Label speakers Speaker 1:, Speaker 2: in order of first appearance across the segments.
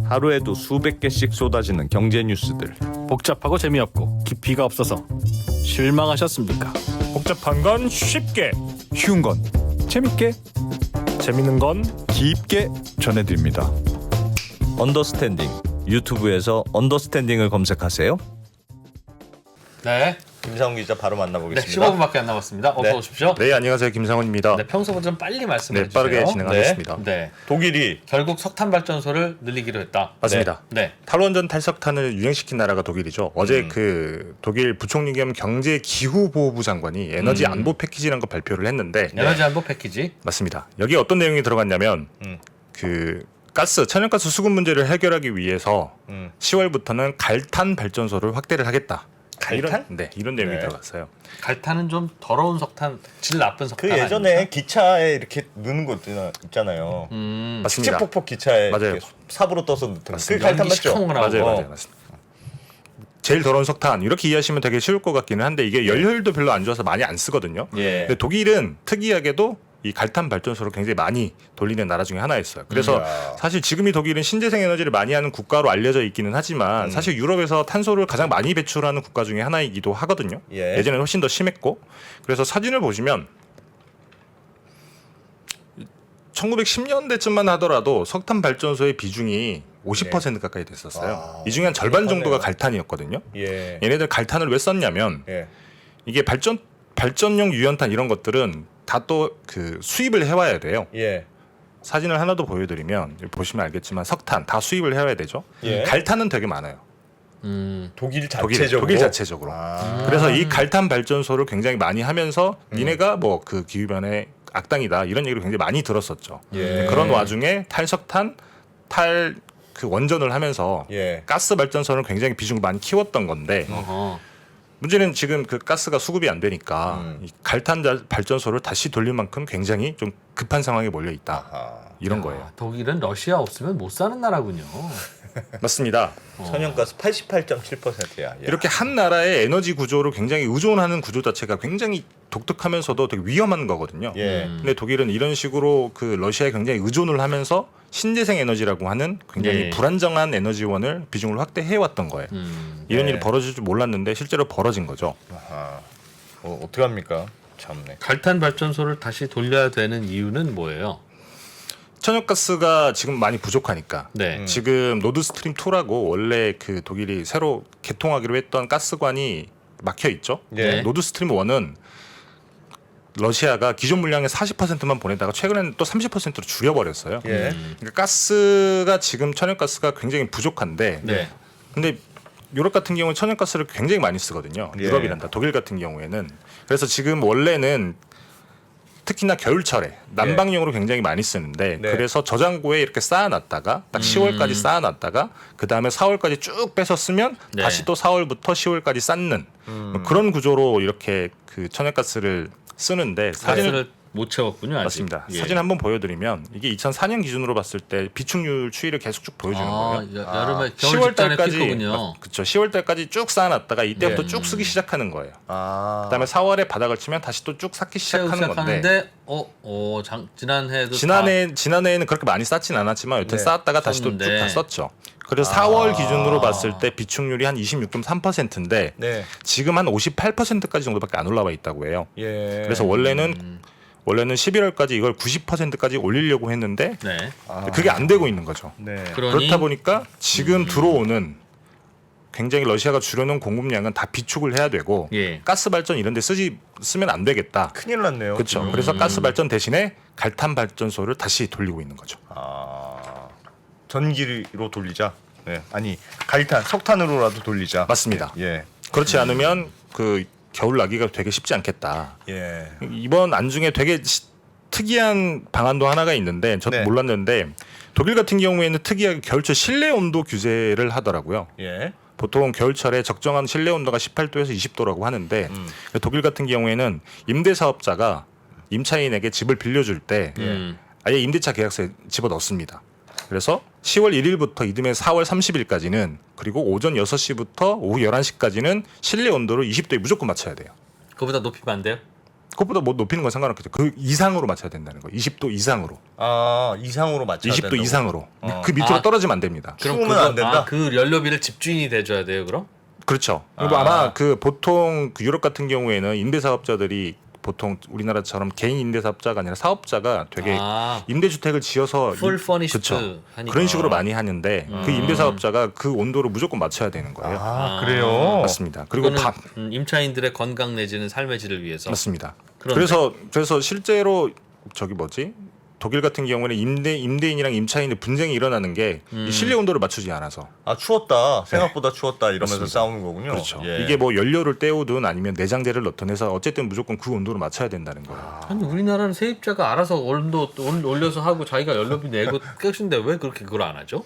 Speaker 1: 하루에도 수백 개씩 쏟아지는 경제 뉴스들.
Speaker 2: 복잡하고 재미없고 깊이가 없어서 실망하셨습니까?
Speaker 3: 복잡한 건 쉽게,
Speaker 4: 쉬운 건 재밌게,
Speaker 3: 재밌는 건
Speaker 4: 깊게 전해드립니다.
Speaker 1: 언더스탠딩. 유튜브에서 언더스탠딩을 검색하세요.
Speaker 2: 네.
Speaker 5: 김상훈 기자 바로
Speaker 2: 네,
Speaker 5: 만나보겠습니다.
Speaker 2: 15분밖에 안 남았습니다. 어서
Speaker 5: 네.
Speaker 2: 오십시오.
Speaker 3: 네, 안녕하세요. 김상훈입니다.
Speaker 2: 네, 평소보다 좀 빨리 말씀해
Speaker 3: 네,
Speaker 2: 주세요.
Speaker 3: 빠르게 진행하겠습니다.
Speaker 2: 네.
Speaker 5: 독일이
Speaker 2: 결국 석탄 발전소를 늘리기로 했다.
Speaker 3: 맞습니다.
Speaker 2: 네.
Speaker 3: 탈원전 탈석탄을 유행시킨 나라가 독일이죠. 어제 그 독일 부총리 겸 경제 기후 보호부 장관이 에너지 안보 패키지라는 거 발표를 했는데
Speaker 2: 에너지 안보 패키지.
Speaker 3: 맞습니다. 여기 어떤 내용이 들어갔냐면 그 가스, 천연가스 수급 문제를 해결하기 위해서 10월부터는 갈탄 발전소를 확대를 하겠다.
Speaker 5: 갈탄?
Speaker 3: 이런 내용이
Speaker 5: 네.
Speaker 3: 들어갔어요.
Speaker 2: 갈탄은 좀 더러운 석탄, 질 나쁜 석탄
Speaker 5: 그 예전에
Speaker 2: 아닙니까?
Speaker 5: 기차에 이렇게 넣는 거 있잖아요.
Speaker 3: 맞습니다.
Speaker 5: 축제폭포 기차에
Speaker 3: 맞아요.
Speaker 5: 이렇게 삽으로 떠서 넣는 그
Speaker 3: 맞습니다.
Speaker 5: 갈탄
Speaker 2: 연기
Speaker 5: 맞죠?
Speaker 2: 시커먼 거 나오고.
Speaker 3: 맞아요. 맞습니다. 제일 더러운 석탄 이렇게 이해하시면 되게 쉬울 것 같기는 한데 이게 연료율도 별로 안 좋아서 많이 안 쓰거든요.
Speaker 5: 예.
Speaker 3: 근데 독일은 특이하게도 이 갈탄 발전소를 굉장히 많이 돌리는 나라 중에 하나였어요. 그래서
Speaker 5: 이야.
Speaker 3: 사실 지금 이 독일은 신재생 에너지를 많이 하는 국가로 알려져 있기는 하지만 사실 유럽에서 탄소를 가장 많이 배출하는 국가 중에 하나이기도 하거든요.
Speaker 5: 예.
Speaker 3: 예전에는 훨씬 더 심했고 그래서 사진을 보시면 1910년대쯤만 하더라도 석탄 발전소의 비중이 50% 가까이 됐었어요.
Speaker 5: 아,
Speaker 3: 이 중에 한 절반
Speaker 5: 그러네요.
Speaker 3: 정도가 갈탄이었거든요.
Speaker 5: 예.
Speaker 3: 얘네들 갈탄을 왜 썼냐면
Speaker 5: 예.
Speaker 3: 이게 발전용 유연탄 이런 것들은 다 또 그 수입을 해와야 돼요.
Speaker 5: 예.
Speaker 3: 사진을 하나 더 보여드리면 여기 보시면 알겠지만 석탄 다 수입을 해와야 되죠.
Speaker 5: 예.
Speaker 3: 갈탄은 되게 많아요.
Speaker 5: 독일
Speaker 3: 독일
Speaker 5: 자체적으로.
Speaker 3: 자체적으로.
Speaker 5: 아.
Speaker 3: 그래서 이 갈탄 발전소를 굉장히 많이 하면서 니네가 뭐 그 기후변의 악당이다 이런 얘기를 굉장히 많이 들었었죠.
Speaker 5: 예.
Speaker 3: 그런 와중에 탈석탄 그 원전을 하면서
Speaker 5: 예.
Speaker 3: 가스 발전소를 굉장히 비중을 많이 키웠던 건데
Speaker 2: 어허.
Speaker 3: 문제는 지금 그 가스가 수급이 안 되니까 이 갈탄 발전소를 다시 돌릴 만큼 굉장히 좀 급한 상황에 몰려 있다.
Speaker 5: 아.
Speaker 3: 이런 거예요.
Speaker 2: 아, 독일은 러시아 없으면 못 사는 나라군요.
Speaker 3: 맞습니다.
Speaker 5: 천연가스 88.7%야.
Speaker 3: 이렇게 한 나라의 에너지 구조를 굉장히 의존하는 구조 자체가 굉장히 독특하면서도 되게 위험한 거거든요.
Speaker 5: 예.
Speaker 3: 근데 독일은 이런 식으로 그 러시아에 굉장히 의존을 하면서 신재생 에너지라고 하는 굉장히
Speaker 2: 예.
Speaker 3: 불안정한 에너지원을 비중을 확대해 왔던 거예요. 이런
Speaker 5: 예.
Speaker 3: 일이 벌어질 줄 몰랐는데 실제로 벌어진 거죠.
Speaker 5: 아하. 어떻게 합니까? 참네.
Speaker 2: 갈탄 발전소를 다시 돌려야 되는 이유는 뭐예요?
Speaker 3: 천연가스가 지금 많이 부족하니까
Speaker 2: 네.
Speaker 3: 지금 노드스트림 2라고 원래 그 독일이 새로 개통하기로 했던 가스관이 막혀 있죠.
Speaker 5: 예.
Speaker 3: 노드스트림 1은 러시아가 기존 물량의 40%만 보내다가 최근에는 또 30%로 줄여버렸어요.
Speaker 5: 예.
Speaker 3: 그러니까 가스가 지금 천연가스가 굉장히 부족한데
Speaker 2: 네.
Speaker 3: 근데 유럽 같은 경우는 천연가스를 굉장히 많이 쓰거든요.
Speaker 5: 예.
Speaker 3: 유럽이란다. 독일 같은 경우에는. 그래서 지금 원래는 특히나 겨울철에 난방용으로 굉장히 많이 쓰는데
Speaker 5: 네.
Speaker 3: 그래서 저장고에 이렇게 쌓아놨다가 딱 10월까지 쌓아놨다가 그 다음에 4월까지 쭉 빼서 쓰면
Speaker 2: 네.
Speaker 3: 다시 또 4월부터 10월까지 쌓는 뭐 그런 구조로 이렇게 그 천연가스를 쓰는데 사진을
Speaker 2: 가스를 못 채웠군요. 아직.
Speaker 3: 맞습니다.
Speaker 2: 예.
Speaker 3: 사진 한번 보여드리면 이게 2004년 기준으로 봤을 때 비축률 추이를 계속 쭉 보여주는 거예요.
Speaker 2: 여름에 겨울
Speaker 3: 10월
Speaker 2: 직전에
Speaker 3: 달까지
Speaker 2: 피크군요.
Speaker 3: 그렇죠. 10월 달까지 쭉 쌓아놨다가 이때부터
Speaker 5: 예.
Speaker 3: 쭉 쓰기 시작하는 거예요.
Speaker 5: 아.
Speaker 3: 그다음에 4월에 바닥을 치면 다시 또 쭉 쌓기 시작하는 건데
Speaker 2: 지난해에도
Speaker 3: 지난해에는 그렇게 많이 쌓진 않았지만 여튼
Speaker 5: 네.
Speaker 3: 쌓았다가 다시 또 쭉
Speaker 2: 썼는데.
Speaker 3: 다 썼죠. 그래서 4월 기준으로 봤을 때 비축률이 한 26.3%인데
Speaker 5: 네.
Speaker 3: 지금 한 58%까지 정도밖에 안 올라와 있다고 해요.
Speaker 5: 예.
Speaker 3: 그래서 원래는 11월까지 이걸 90%까지 올리려고 했는데
Speaker 2: 네.
Speaker 3: 그게 안 되고 있는 거죠.
Speaker 5: 네.
Speaker 2: 그러니
Speaker 3: 그렇다 보니까 지금 들어오는 굉장히 러시아가 줄여놓은 공급량은 다 비축을 해야 되고
Speaker 2: 예.
Speaker 3: 가스 발전 이런 데 쓰면 안 되겠다.
Speaker 5: 큰일 났네요.
Speaker 3: 그렇죠.
Speaker 5: 지금.
Speaker 3: 그래서 가스 발전 대신에 갈탄 발전소를 다시 돌리고 있는 거죠.
Speaker 5: 아. 전기로 돌리자. 네. 아니, 갈탄, 석탄으로라도 돌리자.
Speaker 3: 맞습니다.
Speaker 5: 예.
Speaker 3: 그렇지 않으면 그 겨울 나기가 되게 쉽지 않겠다.
Speaker 5: 예.
Speaker 3: 이번 안중에 되게 특이한 방안도 하나가 있는데 저도
Speaker 5: 네.
Speaker 3: 몰랐는데 독일 같은 경우에는 특이하게 겨울철 실내 온도 규제를 하더라고요.
Speaker 5: 예.
Speaker 3: 보통 겨울철에 적정한 실내 온도가 18도에서 20도라고 하는데 독일 같은 경우에는 임대 사업자가 임차인에게 집을 빌려줄 때 아예 임대차 계약서에 집어넣습니다. 그래서 10월 1일부터 이듬해 4월 30일까지는 그리고 오전 6시부터 오후 11시까지는 실내 온도를 20도에 무조건 맞춰야 돼요.
Speaker 2: 그보다 높이면 안 돼요?
Speaker 3: 그것보다 뭐 높이는 건 상관없겠죠. 그 이상으로 맞춰야 된다는 거예요. 20도 이상으로,
Speaker 5: 아 이상으로 맞춰야
Speaker 3: 20도
Speaker 5: 된다고?
Speaker 3: 이상으로.
Speaker 2: 어.
Speaker 3: 그 밑으로
Speaker 2: 아.
Speaker 3: 떨어지면 안 됩니다.
Speaker 5: 추우면 안 된다?
Speaker 2: 그 연료비를 집주인이 대줘야 돼요, 그럼?
Speaker 3: 그렇죠. 그리고 아마 그 보통 그 유럽 같은 경우에는 임대사업자들이 보통 우리나라처럼 개인 임대사업자가 아니라 사업자가 되게
Speaker 2: 아,
Speaker 3: 임대주택을 지어서
Speaker 2: 풀 퍼니시드
Speaker 3: 그쵸.
Speaker 2: 하니까.
Speaker 3: 그런 식으로 많이 하는데 그 임대사업자가 그 온도를 무조건 맞춰야 되는 거예요.
Speaker 5: 아 그래요?
Speaker 3: 맞습니다. 그리고
Speaker 2: 그리고 임차인들의 건강 내지는 삶의 질을 위해서.
Speaker 3: 맞습니다.
Speaker 2: 그런데.
Speaker 3: 그래서 실제로 저기 뭐지? 독일 같은 경우에는 임대인이랑 임차인의 분쟁이 일어나는 게 이 실내 온도를 맞추지 않아서.
Speaker 5: 아 추웠다 생각보다 추웠다 이러면서
Speaker 3: 맞습니다.
Speaker 5: 싸우는 거군요.
Speaker 3: 그렇죠.
Speaker 5: 예.
Speaker 3: 이게 뭐 연료를 때우든 아니면 내장재를 넣든 해서 어쨌든 무조건 그 온도를 맞춰야 된다는 거예요.
Speaker 2: 아니 우리나라는 세입자가 알아서 온도 올려서 하고 자기가 연료비 내고 끝인데 왜 그렇게 그걸 안 하죠?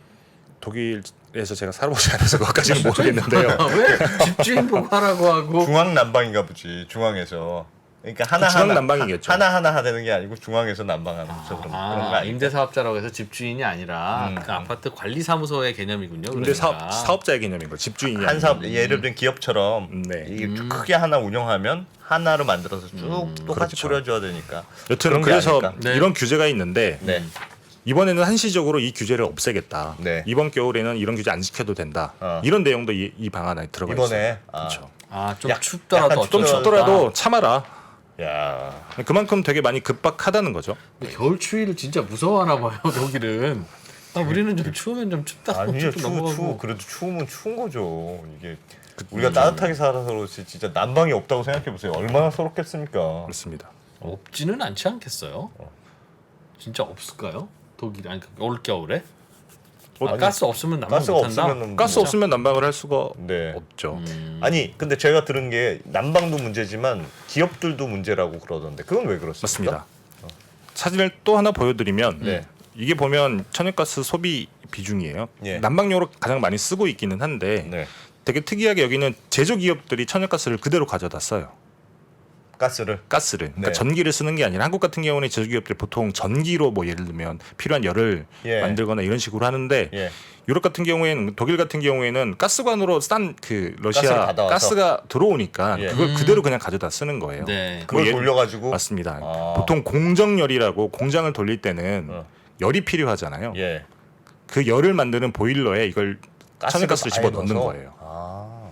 Speaker 3: 독일에서 제가 살아보지 않아서 그것까지는 모르겠는데요.
Speaker 2: 왜 집주인 보고 하라고 하고
Speaker 5: 중앙 난방인가 보지. 중앙에서. 그러니까 하나
Speaker 3: 중앙
Speaker 5: 하나
Speaker 3: 난방이겠죠.
Speaker 5: 하나 되는 게 아니고 중앙에서 난방하면서 그런 거 아니에요?
Speaker 2: 임대사업자라고 해서 집주인이 아니라 그 아파트 관리사무소의 개념이군요.
Speaker 3: 임대
Speaker 2: 그러니까.
Speaker 3: 사업자의 개념인 거. 집주인이
Speaker 5: 한
Speaker 3: 아니고.
Speaker 5: 사업 예를 들면 기업처럼
Speaker 3: 네.
Speaker 5: 이게 크게 하나 운영하면 하나로 만들어서 쭉 똑같이
Speaker 3: 그렇죠.
Speaker 5: 뿌려줘야 되니까.
Speaker 3: 여튼
Speaker 5: 그런 게
Speaker 3: 그래서
Speaker 5: 아닐까?
Speaker 2: 네.
Speaker 3: 이런 규제가 있는데
Speaker 5: 네.
Speaker 3: 이번에는 한시적으로 이 규제를 없애겠다.
Speaker 5: 네.
Speaker 3: 이번 겨울에는 이런 규제 안 지켜도 된다.
Speaker 5: 어.
Speaker 3: 이런 내용도 이 방안 안에 들어가 있어요.
Speaker 5: 이번에
Speaker 3: 그렇죠.
Speaker 2: 좀
Speaker 5: 약-
Speaker 2: 춥더라도
Speaker 5: 약간
Speaker 2: 어쩔
Speaker 3: 좀
Speaker 2: 수 없다.
Speaker 3: 춥더라도 참아라.
Speaker 5: 야.
Speaker 3: 그만큼 되게 많이 급박하다는 거죠.
Speaker 2: 겨울 추위를 진짜 무서워하나 봐요 독일은. 우리는 좀 추우면 좀 춥다.
Speaker 5: 아니요 추워 그래도 추우면 추운 거죠. 이게 우리가 따뜻하게 살아서 그렇지 진짜 난방이 없다고 생각해 보세요. 얼마나 서럽겠습니까?
Speaker 3: 그렇습니다.
Speaker 2: 없지는 않지 않겠어요? 진짜 없을까요? 독일 아니 올 겨울에?
Speaker 5: 아니,
Speaker 2: 가스 없으면 난방
Speaker 5: 가스가
Speaker 2: 못한다.
Speaker 5: 없으면
Speaker 3: 가스 없으면 난방을 할 수가
Speaker 5: 네.
Speaker 3: 없죠.
Speaker 5: 아니 근데 제가 들은 게 난방도 문제지만 기업들도 문제라고 그러던데 그건 왜 그렇습니까?
Speaker 3: 맞습니다. 사진을 또 하나 보여드리면
Speaker 5: 네.
Speaker 3: 이게 보면 천연가스 소비 비중이에요.
Speaker 5: 예.
Speaker 3: 난방용으로 가장 많이 쓰고 있기는 한데
Speaker 5: 네.
Speaker 3: 되게 특이하게 여기는 제조기업들이 천연가스를 그대로 가져다 써요.
Speaker 5: 가스를
Speaker 3: 가스를 그러니까
Speaker 5: 네.
Speaker 3: 전기를 쓰는 게 아니라 한국 같은 경우는 제조기업들이 보통 전기로 뭐 예를 들면 필요한 열을
Speaker 5: 예.
Speaker 3: 만들거나 이런 식으로 하는데
Speaker 5: 예.
Speaker 3: 유럽 같은 경우에는 독일 같은 경우에는 가스관으로 싼 그
Speaker 5: 가스를
Speaker 3: 러시아
Speaker 5: 받아와서?
Speaker 3: 가스가 들어오니까
Speaker 5: 예.
Speaker 3: 그걸 그대로 그냥 가져다 쓰는 거예요.
Speaker 2: 네.
Speaker 5: 그걸
Speaker 3: 뭐
Speaker 5: 돌려가지고
Speaker 3: 맞습니다.
Speaker 5: 아.
Speaker 3: 보통 공정열이라고 공장을 돌릴 때는
Speaker 5: 어.
Speaker 3: 열이 필요하잖아요.
Speaker 5: 예.
Speaker 3: 그 열을 만드는 보일러에 이걸 천연가스를
Speaker 5: 아예
Speaker 3: 집어 넣는
Speaker 5: 넣어서?
Speaker 3: 거예요.
Speaker 5: 아.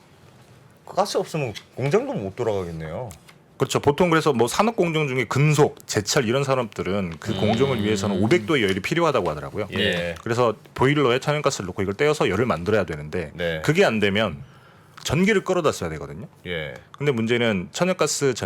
Speaker 5: 그 가스 없으면 공장도 못 돌아가겠네요.
Speaker 3: 그렇죠. 보통 그래서 뭐 산업 공정 중에 금속, 제철 이런 산업들은 그 공정을 위해서는 500도의 열이 필요하다고 하더라고요.
Speaker 5: 예.
Speaker 3: 그래서 보일러에 천연가스를 넣고 이걸 떼어서 열을 만들어야 되는데
Speaker 5: 네.
Speaker 3: 그게 안 되면 전기를 끌어다 써야 되거든요.
Speaker 5: 예.
Speaker 3: 근데 문제는 천연가스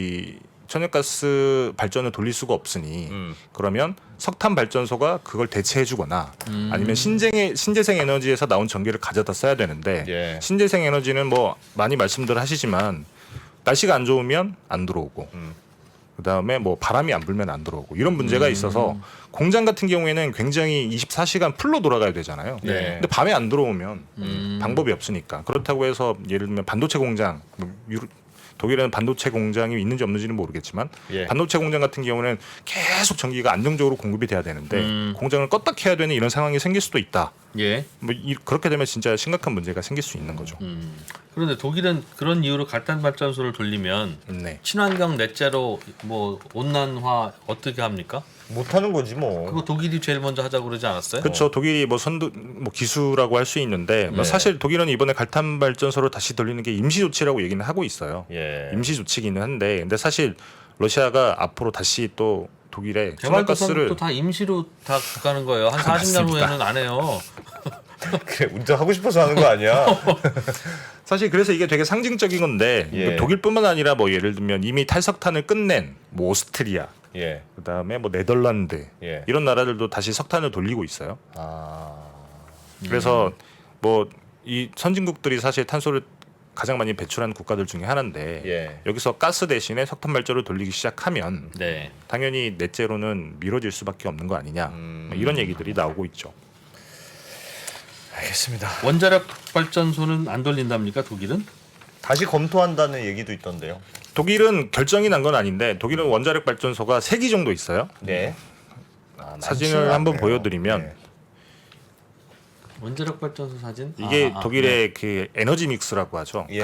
Speaker 3: 발전을 돌릴 수가 없으니 그러면 석탄 발전소가 그걸 대체해주거나 아니면 신재생 에너지에서 나온 전기를 가져다 써야 되는데
Speaker 5: 예.
Speaker 3: 신재생 에너지는 뭐 많이 말씀들 하시지만 날씨가 안 좋으면 안 들어오고 그다음에 뭐 바람이 안 불면 안 들어오고 이런 문제가 있어서 공장 같은 경우에는 굉장히 24시간 풀로 돌아가야 되잖아요.
Speaker 5: 네.
Speaker 3: 근데 밤에 안 들어오면 방법이 없으니까 그렇다고 해서 예를 들면 반도체 공장 독일에는 반도체 공장이 있는지 없는지는 모르겠지만
Speaker 5: 예.
Speaker 3: 반도체 공장 같은 경우는 계속 전기가 안정적으로 공급이 돼야 되는데 공장을 껐다 켜야 되는 이런 상황이 생길 수도 있다.
Speaker 2: 예.
Speaker 3: 그렇게 되면 진짜 심각한 문제가 생길 수 있는 거죠.
Speaker 2: 그런데 독일은 그런 이유로 갈탄 발전소를 돌리면
Speaker 3: 네.
Speaker 2: 친환경 넷제로 뭐 온난화 어떻게 합니까?
Speaker 5: 못 하는 거지 뭐.
Speaker 2: 그거 독일이 제일 먼저 하자고 그러지 않았어요?
Speaker 3: 그렇죠. 독일이 뭐 기수라고 할 수 있는데 뭐
Speaker 5: 네.
Speaker 3: 사실 독일은 이번에 갈탄 발전소를 다시 돌리는 게 임시 조치라고 얘기는 하고 있어요.
Speaker 5: 예.
Speaker 3: 임시 조치기는 한데 근데 사실 러시아가 앞으로 다시 또 독일에
Speaker 2: 개발도상도
Speaker 3: 천연가스를
Speaker 2: 다 임시로 다 가는 거예요. 한 40년
Speaker 3: 맞습니다.
Speaker 2: 후에는 안 해요.
Speaker 5: 그래 운전하고 싶어서 하는 거 아니야?
Speaker 3: 사실 그래서 이게 되게 상징적인 건데
Speaker 5: 예.
Speaker 3: 독일뿐만 아니라 뭐 예를 들면 이미 탈석탄을 끝낸 뭐 오스트리아
Speaker 5: 예.
Speaker 3: 그다음에 뭐 네덜란드
Speaker 5: 예.
Speaker 3: 이런 나라들도 다시 석탄을 돌리고 있어요.
Speaker 5: 아.
Speaker 3: 그래서 뭐 이 선진국들이 사실 탄소를 가장 많이 배출한 국가들 중에 하나인데
Speaker 5: 예.
Speaker 3: 여기서 가스 대신에 석탄 발전을 돌리기 시작하면
Speaker 2: 네.
Speaker 3: 당연히 넷제로는 미뤄질 수밖에 없는 거 아니냐 뭐 이런 얘기들이 나오고 있죠.
Speaker 5: 알겠습니다.
Speaker 2: 원자력 발전소는 안 돌린답니까 독일은?
Speaker 5: 다시 검토한다는 얘기도 있던데요.
Speaker 3: 독일은 결정이 난 건 아닌데 독일은 원자력 발전소가 3기 정도 있어요.
Speaker 5: 네.
Speaker 3: 사진을 한번 보여드리면
Speaker 5: 네.
Speaker 2: 원자력 발전소 사진?
Speaker 3: 이게
Speaker 2: 네.
Speaker 3: 독일의 그 에너지 믹스라고 하죠.
Speaker 5: 예.
Speaker 3: 각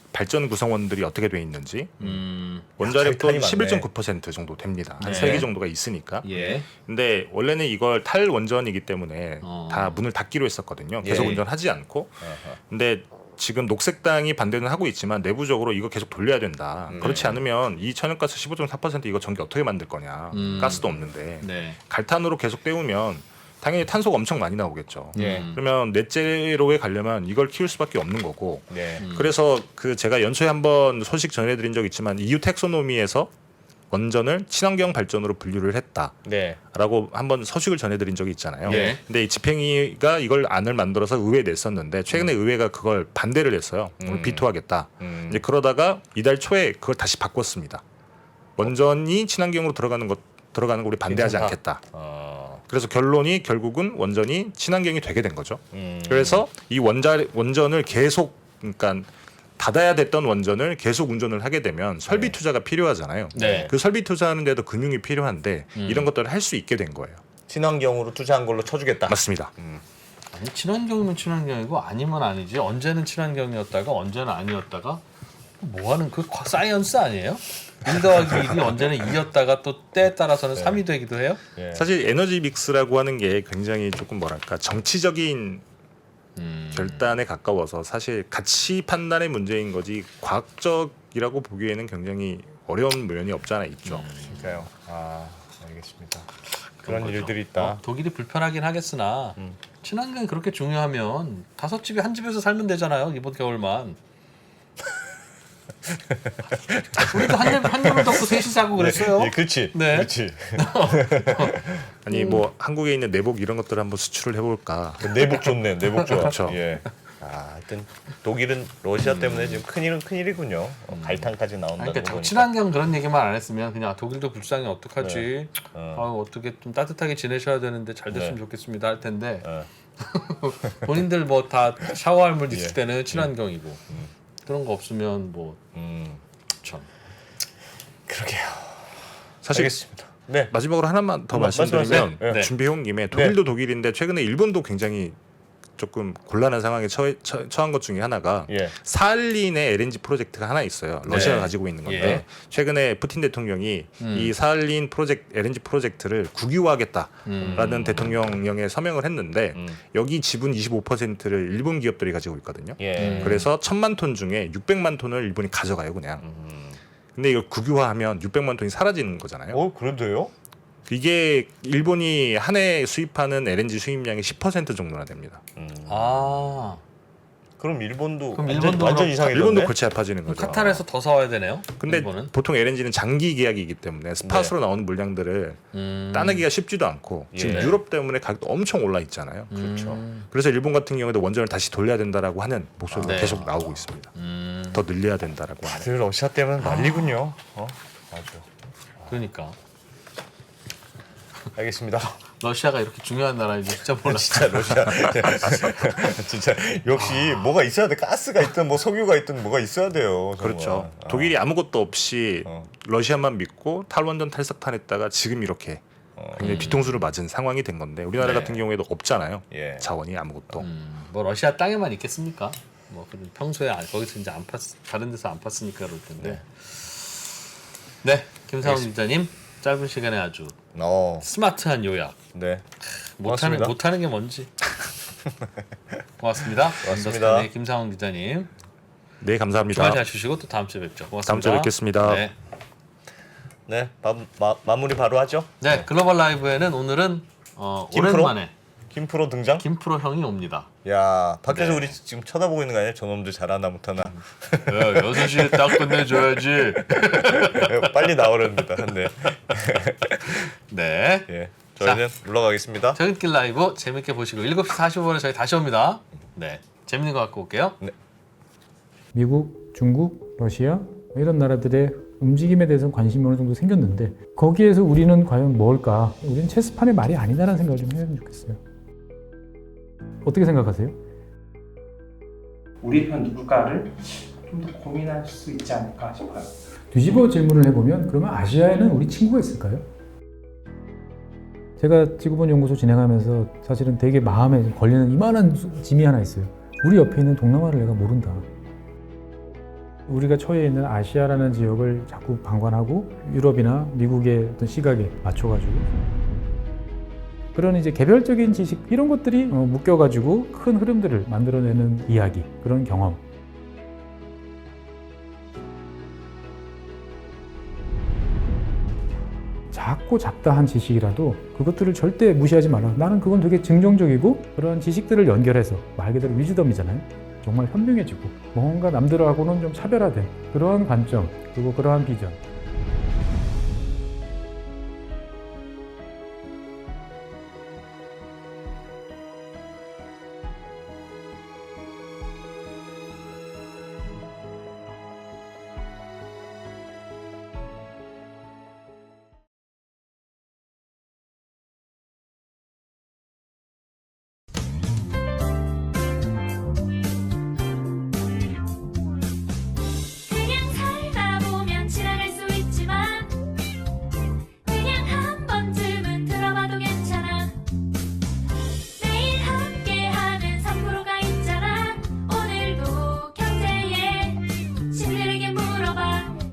Speaker 3: 발전 구성원들이 어떻게 돼 있는지 원자력도
Speaker 5: 탈이 많네.
Speaker 3: 11.9% 정도 됩니다. 한
Speaker 2: 네.
Speaker 3: 3개 정도가 있으니까.
Speaker 2: 예.
Speaker 3: 근데 원래는 이걸 탈원전이기 때문에
Speaker 2: 어.
Speaker 3: 다 문을 닫기로 했었거든요. 계속
Speaker 5: 예.
Speaker 3: 운전하지 않고.
Speaker 5: 아하.
Speaker 3: 근데 지금 녹색당이 반대는 하고 있지만 내부적으로 이거 계속 돌려야 된다. 그렇지 않으면 이 천연가스 15.4% 이거 전기 어떻게 만들 거냐. 가스도 없는데.
Speaker 2: 네.
Speaker 3: 갈탄으로 계속 때우면 당연히 탄소가 엄청 많이 나오겠죠.
Speaker 5: 예.
Speaker 3: 그러면 넷제로에 가려면 이걸 키울 수밖에 없는 거고.
Speaker 5: 네.
Speaker 3: 그래서 그 제가 연초에 한번 소식 전해드린 적 있지만 EU 텍소노미에서 원전을 친환경 발전으로 분류를 했다라고
Speaker 5: 네.
Speaker 3: 한번 서식을 전해드린 적이 있잖아요.
Speaker 2: 예.
Speaker 3: 근데 이 집행위가 이걸 안을 만들어서 의회에 냈었는데 최근에 의회가 그걸 반대를 했어요. 오늘 비토하겠다. 이제 그러다가 이달 초에 그걸 다시 바꿨습니다. 원전이 친환경으로 들어가는 거 우리 반대하지
Speaker 5: 괜찮다.
Speaker 3: 않겠다.
Speaker 5: 그래서
Speaker 3: 그래서 결론이 결국은 원전이 친환경이 되게 된 거죠. 그래서 이 원전을 계속 그러니까 닫아야 됐던 원전을 계속 운전을 하게 되면 설비 투자가 필요하잖아요.
Speaker 2: 네.
Speaker 3: 그 설비 투자하는데도 금융이 필요한데 이런 것들을 할 수 있게 된 거예요.
Speaker 5: 친환경으로 투자한 걸로 쳐주겠다.
Speaker 3: 맞습니다.
Speaker 2: 아니, 친환경이면 친환경이고 아니면 아니지. 언제는 친환경이었다가 언제는 아니었다가 뭐 하는 그 사이언스 아니에요? 1 더하기 1이 언제는 2였다가 또 때에 따라서는 3이 되기도 해요?
Speaker 5: 예.
Speaker 3: 사실 에너지 믹스라고 하는 게 굉장히 조금 뭐랄까 정치적인 결단에 가까워서 사실 가치 판단의 문제인 거지 과학적이라고 보기에는 굉장히 어려운 면이 없지 않아 있죠.
Speaker 5: 그러니까요. 알겠습니다. 그런
Speaker 2: 거죠.
Speaker 5: 일들이 있다.
Speaker 2: 독일이 불편하긴 하겠으나 친환경이 그렇게 중요하면 5집이 한 집에서 살면 되잖아요. 이번 겨울만. 우리도 한 집을 덮고 셋이 사고 그랬어요.
Speaker 5: 예, 그렇지.
Speaker 2: 네.
Speaker 5: 그렇지.
Speaker 3: 아니 뭐 한국에 있는 내복 이런 것들을 한번 수출을 해볼까.
Speaker 5: 내복 좋네. 내복 좋아.
Speaker 3: 그렇죠.
Speaker 5: 예. 하여튼 독일은 러시아 때문에 지금 큰일은 큰일이군요. 갈탄까지 나온다는
Speaker 2: 그러니까
Speaker 5: 거 보니까.
Speaker 2: 친환경 그런 얘기만 안 했으면 그냥 독일도 불쌍해 어떡하지?
Speaker 5: 네.
Speaker 2: 어떻게 좀 따뜻하게 지내셔야 되는데 잘 됐으면
Speaker 5: 네.
Speaker 2: 좋겠습니다 할 텐데
Speaker 5: 어.
Speaker 2: 본인들 뭐 다 샤워할 물 있을
Speaker 5: 예.
Speaker 2: 때는 친환경이고 그런 거 없으면 뭐 참.
Speaker 5: 그러게요.
Speaker 3: 사실
Speaker 5: 알겠습니다. 네.
Speaker 3: 마지막으로 하나만 더
Speaker 5: 말씀하세요.
Speaker 3: 말씀드리면
Speaker 5: 네.
Speaker 3: 준비해온 김에 독일도 독일인데 최근에 일본도 굉장히 조금 곤란한 상황에 처한 것 중에 하나가
Speaker 5: 예.
Speaker 3: 사할린의 LNG 프로젝트가 하나 있어요. 러시아가
Speaker 5: 네.
Speaker 3: 가지고 있는 건데
Speaker 2: 예.
Speaker 3: 최근에 푸틴 대통령이 이 사할린 LNG 프로젝트를 국유화하겠다라는 대통령령에 서명을 했는데 여기 지분 25%를 일본 기업들이 가지고 있거든요.
Speaker 5: 예.
Speaker 3: 그래서 1,000만 톤 중에 600만 톤을 일본이 가져가요, 그냥. 근데 이걸 국유화하면 600만 톤이 사라지는 거잖아요.
Speaker 5: 그런데요?
Speaker 3: 이게 일본이 한 해 수입하는 LNG 수입량의 10% 정도나 됩니다.
Speaker 2: 아
Speaker 5: 그럼 일본도
Speaker 2: 그럼
Speaker 5: 완전,
Speaker 2: 일본도
Speaker 5: 완전
Speaker 2: 그럼
Speaker 5: 이상해졌네.
Speaker 3: 일본도 골치 아파지는
Speaker 2: 그럼
Speaker 3: 거죠.
Speaker 2: 카타르에서 더 사와야 되네요.
Speaker 3: 근데
Speaker 2: 일본은.
Speaker 3: 보통 LNG는 장기 계약이기 때문에 스팟으로 나오는 물량들을 따내기가 쉽지도 않고 지금
Speaker 5: 예.
Speaker 3: 유럽 때문에 가격도 엄청 올라 있잖아요.
Speaker 5: 그렇죠.
Speaker 3: 그래서 일본 같은 경우에도 원전을 다시 돌려야 된다라고 하는 목소리가
Speaker 2: 네.
Speaker 3: 계속 나오고 있습니다. 더 늘려야 된다라고 하는.
Speaker 5: 다들 러시아 때문에 난리군요. 아주.
Speaker 2: 그러니까
Speaker 5: 알겠습니다.
Speaker 2: 러시아가 이렇게 중요한 나라인지 진짜 몰랐어.
Speaker 5: 진짜 러시아 진짜 역시 뭐가 있어야 돼. 가스가 있든 뭐 석유가 있든 뭐가 있어야 돼요. 정말.
Speaker 3: 그렇죠. 독일이 아무것도 없이
Speaker 5: 어.
Speaker 3: 러시아만 믿고 탈원전 탈석탄했다가 지금 이렇게 굉장히 뒤통수를 맞은 상황이 된 건데 우리나라
Speaker 2: 네.
Speaker 3: 같은 경우에도 없잖아요.
Speaker 5: 예.
Speaker 3: 자원이 아무것도.
Speaker 2: 뭐 러시아 땅에만 있겠습니까? 뭐 그런 평소에 거기서 이제 안 다른 데서 안 팠으니까 그럴 텐데. 네, 김상훈 기자님 짧은 시간에 아주 스마트한 요약.
Speaker 5: 네.
Speaker 2: 못하는 게 뭔지. 고맙습니다.
Speaker 5: 고맙습니다.
Speaker 2: 언더스탠의 김상훈 기자님.
Speaker 3: 네, 감사합니다.
Speaker 2: 주말 잘 쉬시고 또 다음 주에 뵙죠. 고맙습니다.
Speaker 3: 다음 주에 뵙겠습니다.
Speaker 2: 네.
Speaker 5: 네. 마무리 바로 하죠.
Speaker 2: 네, 글로벌 라이브에는 오늘은
Speaker 5: 김프로?
Speaker 2: 오랜만에
Speaker 5: 김프로 등장.
Speaker 2: 김프로 형이 옵니다.
Speaker 5: 야, 밖에서
Speaker 2: 네.
Speaker 5: 우리 지금 쳐다보고 있는 거 아니야? 저놈들 잘하나 못하나.
Speaker 2: 야, 6시에 딱 끝내줘야지.
Speaker 5: 빨리 나오렵니다. 네.
Speaker 2: 네.
Speaker 5: 예. 저희는 물러가겠습니다.
Speaker 2: 퇴근길 라이브 재밌게 보시고 7시 45분에 저희 다시 옵니다. 네, 재밌는 거 갖고 올게요.
Speaker 6: 미국, 중국, 러시아 이런 나라들의 움직임에 대해서는 관심이 어느 정도 생겼는데 거기에서 우리는 과연 뭘까? 우리는 체스판의 말이 아니다라는 생각을 좀 해야 좋겠어요. 어떻게 생각하세요?
Speaker 7: 우리 편 누굴까를 좀 더 고민할 수 있지 않을까 싶어요.
Speaker 6: 뒤집어 질문을 해보면 그러면 아시아에는 우리 친구가 있을까요? 제가 지구본 연구소 진행하면서 사실은 되게 마음에 걸리는 이만한 짐이 하나 있어요. 우리 옆에 있는 동남아를 내가 모른다. 우리가 처해 있는 아시아라는 지역을 자꾸 방관하고 유럽이나 미국의 어떤 시각에 맞춰가지고 그런 이제 개별적인 지식 이런 것들이 묶여가지고 큰 흐름들을 만들어내는 이야기, 그런 경험. 작고 잡다한 지식이라도 그것들을 절대 무시하지 말라. 나는 그건 되게 긍정적이고 그런 지식들을 연결해서 말 그대로 위즈덤이잖아요. 정말 현명해지고 뭔가 남들하고는 좀 차별화된 그러한 관점 그리고 그러한 비전